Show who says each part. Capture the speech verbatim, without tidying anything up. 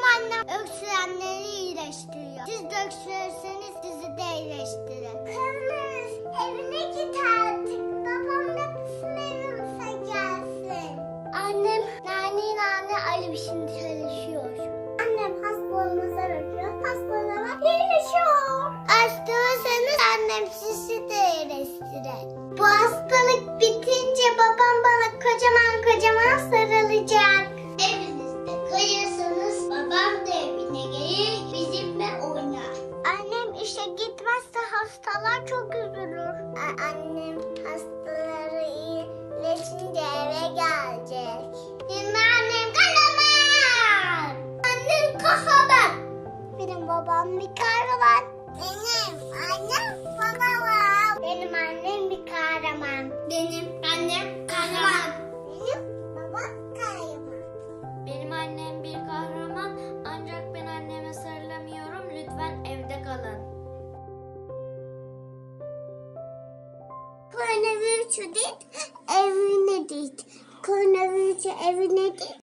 Speaker 1: annem öksürenleri iyileştiriyor. Siz de öksürürseniz sizi de iyileştirir. Kızımız evine git artık. Babam da bizim evimize gelsin. Annem nane nane Ali şimdi çalışıyor. Annem hastalığımıza bakıyor. Hastalığa iyileşiyor. Hastaysanız annem sizi de iyileştirir. Bu hastalık bitince babam bana kocaman kocaman sarılacak. Evinizde kalırsanız babam da evine gelir bizimle oynar. Annem işe gitmezse hastalar çok üzülür. Annem hastaları iyileşince eve gelecek. Benim annem kahraman. Annem kahraman. Benim babam bir kahraman. Benim annem kahraman. Benim annem bir kahraman. Benim annem kahraman. Benim babam kahraman.
Speaker 2: Benim annem bir kahraman ancak ben anneme sarılamıyorum. Lütfen evde kalın.
Speaker 1: Koronavirüsü değil, evine değil. Koronavirüsü evine değil.